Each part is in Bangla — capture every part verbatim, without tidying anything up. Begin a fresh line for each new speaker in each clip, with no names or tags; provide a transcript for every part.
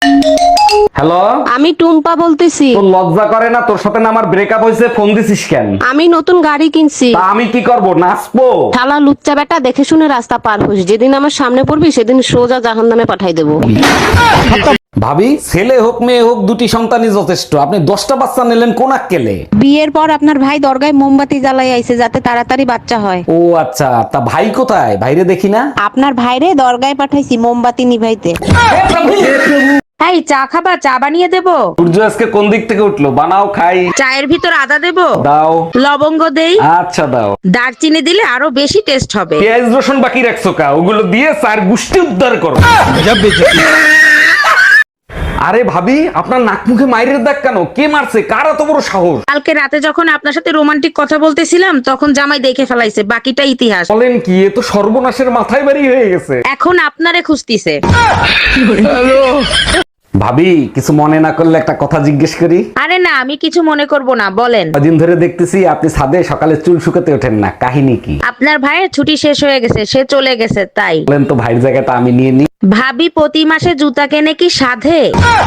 হ্যালো,
আমি টুম্পা বলতেছি।
তোর লজ্জা করে না? তোর সাথে না আমার ব্রেকআপ হয়েছে, ফোন দিছিস কেন?
আমি নতুন গাড়ি কিনছি।
তা আমি কি করব, নাচবো?
শালা লুচ্চা বেটা, দেখে শুনে রাস্তা পার হোস, যেদিন আমার সামনে পড়বি সেদিন সোজা জাহান্নামে পাঠাই দেবো।
ভাবি, ছেলে হোক মেয়ে হোক দুটি সন্তানই যথেষ্ট। আপনি দশটা বাচ্চা নিলেন কোন আক্কেলে?
বিয়ের পর আপনার ভাই দরগায় মোমবাতি জ্বালাই আইছে যাতে তাড়াতাড়ি বাচ্চা হয়।
ও আচ্ছা, তা ভাই কোথায়? ভাইরে দেখি না।
আপনার ভাইরে দরগায় পাঠাইছি মোমবাতি নিভাইতে। এই চা খাবা? চা বানিয়ে দেবো?
সূর্য আজকে কোন দিক থেকে উঠলো? বানাও খাই।
চায়ের ভিতর আদা দেবো?
দাও।
লবঙ্গ দেই?
আচ্ছা দাও।
দারচিনি দিলে আরো বেশি টেস্ট হবে।
পেঁয়াজ রসুন বাকি রাখছো কা? ওগুলো দিয়ে চার গুষ্টি উদ্ধার করো। আরে ভাবি, আপনার নাক মুখে মাইরের দাগ কেন? কে মারছে? কার এত বড় সাহস?
কালকে রাতে যখন আপনার সাথে রোমান্টিক কথা বলতেছিলাম তখন জামাই দেখে ফেলাইছে, বাকিটা ইতিহাস।
বলেন কি? এ তো সর্বনাশের মাথায় বাড়ি হয়ে গেছে।
এখন আপনারে খুঁজতিছে।
ভাবি, কিছু মনে না করলে একটা কথা জিজ্ঞেস করি?
আরে না, আমি কিছু মনে করব না, বলেন।
কদিন ধরে দেখতেছি আপনি ছাদে সকালে চুল শুকাতে ওঠেন না, কাহিনী কি?
আপনার ভাইয়ের ছুটি শেষ হয়ে গেছে, সে চলে গেছে তাই।
বলেন তো, ভাইয়ের জায়গাটা আমি নিয়ে নিই।
ভাবি প্রতি মাসে জুতা কেনে কি সাধে?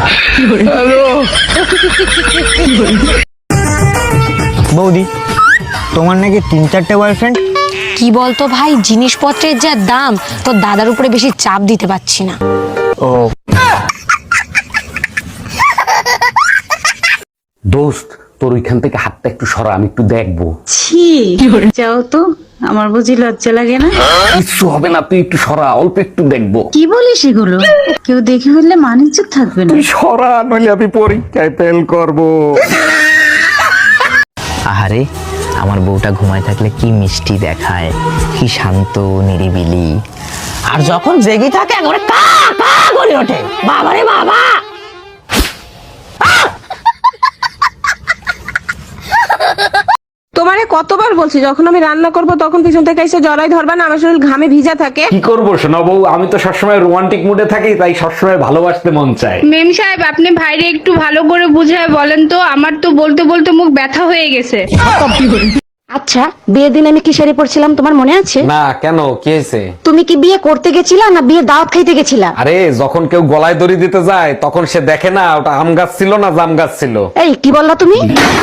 বৌদি, তোমার নাকি তিন চারটে বয়ফ্রেন্ড?
কি বলতো ভাই, জিনিসপত্রের যা দাম, তোর দাদার উপরে বেশি চাপ দিতে পারছি না।
ও
দোস্ত, তোর ওইখান থেকে হাতটা একটু সরা, আমি একটু দেখবো।
ছি, যাও তো, আমার বুঝি লজ্জা লাগে না?
কিচ্ছু হবে না, তুই একটু সরা, অল্প একটু দেখবো।
কি বলিস এগুলো? কেউ দেখে ফেললে মানিজ্য থাকবে না।
তুই সরা, নইলে আমি পরীক্ষায় ফেল করবো।
আহারে, আমার বউটা ঘুমায় থাকলে কি মিষ্টি দেখায়, কি শান্ত নিরিবিলি, আর যখন জেগে থাকে একবারে কা কা করে ওঠে। বাবারে বাবা!
তোমারে কতবার বলছি যখন আমি রান্না করব তখন পিছন থেকে এসে জড়াই ধরবা না, আমার শরীর ঘামে ভিজা থাকে।
কি করবো শোনা বউ, আমি তো সবসময় রোমান্টিক মুডে থাকি, তাই সবসময় ভালোবাসতে মন চায়।
মেম সাহেব, আপনি ভাইরে একটু ভালো করে বুঝায় বলেন তো, আমার তো বলতে বলতে মুখ ব্যথা হয়ে গেছে।
আচ্ছা, বিয়ের দিন আমি কি শাড়ি পরছিলাম তোমার মনে আছে?
না, কেন? কি হয়েছে?
তুমি কি বিয়ে করতে গেছিলা না বিয়ে দাওয়াত খাইতে গেছিলা?
আরে, যখন কেউ গলায় দড়ি দিতে যায় তখন সে দেখে না ওটা আম গাছ ছিল না জাম গাছ ছিল।
এই কি বললা তুমি?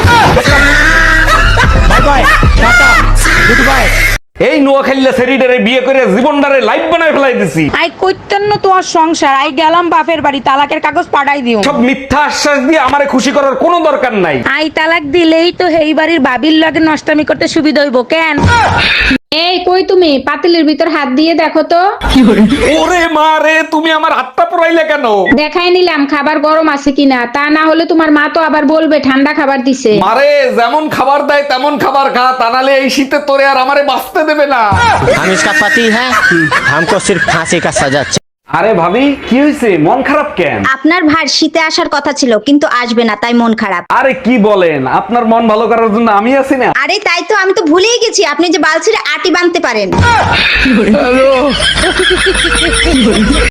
এই নোয়াখালীলা সেরিডারে বিয়ে করে জীবনটারে লাইফ বানায় ফেলাই দিছি।
আই কইতেন না তোমার সংসার, আই গেলাম বাপের বাড়ি, তালাকের কাগজ পাঠাই দিও।
সব মিথ্যা আশ্বাস দিয়ে আমারে খুশি করার কোনো দরকার নাই।
আই তালাক দিলেই তো এই বাড়ির বাবির লগে নষ্টামি করতে সুবিধা হইব কেন?
এই কই তুমি, পাতিলের ভিতর হাত দিয়ে দেখো তো।
ওরে মা রে, তুমি আমার হাতটা পুরাইলে কেন?
দেখাই নিলাম খাবার গরম আছে কিনা, তা না হলে তোমার মা তো আবার বলবে ঠান্ডা খাবার দিছে।
মারে, যেমন খাবার দেয় তেমন খাবার খা, তা নাহলে এই শীতে তোরে আর আমারে বাঁচতে দেবে না।
हम इसका पति है, हमको सिर्फ फांसी का सजा।
আরে ভাবি, কি হয়েছে? মন খারাপ কেন?
আপনার ভাই শীতে আসার কথা ছিল কিন্তু আসবে না, তাই মন খারাপ।
আরে কি বলেন, আপনার মন ভালো করার জন্য আমি আছি না।
আরে তাই তো, আমি তো ভুলেই গেছি আপনি যে বালছিরে আটি বাঁধতে পারেন।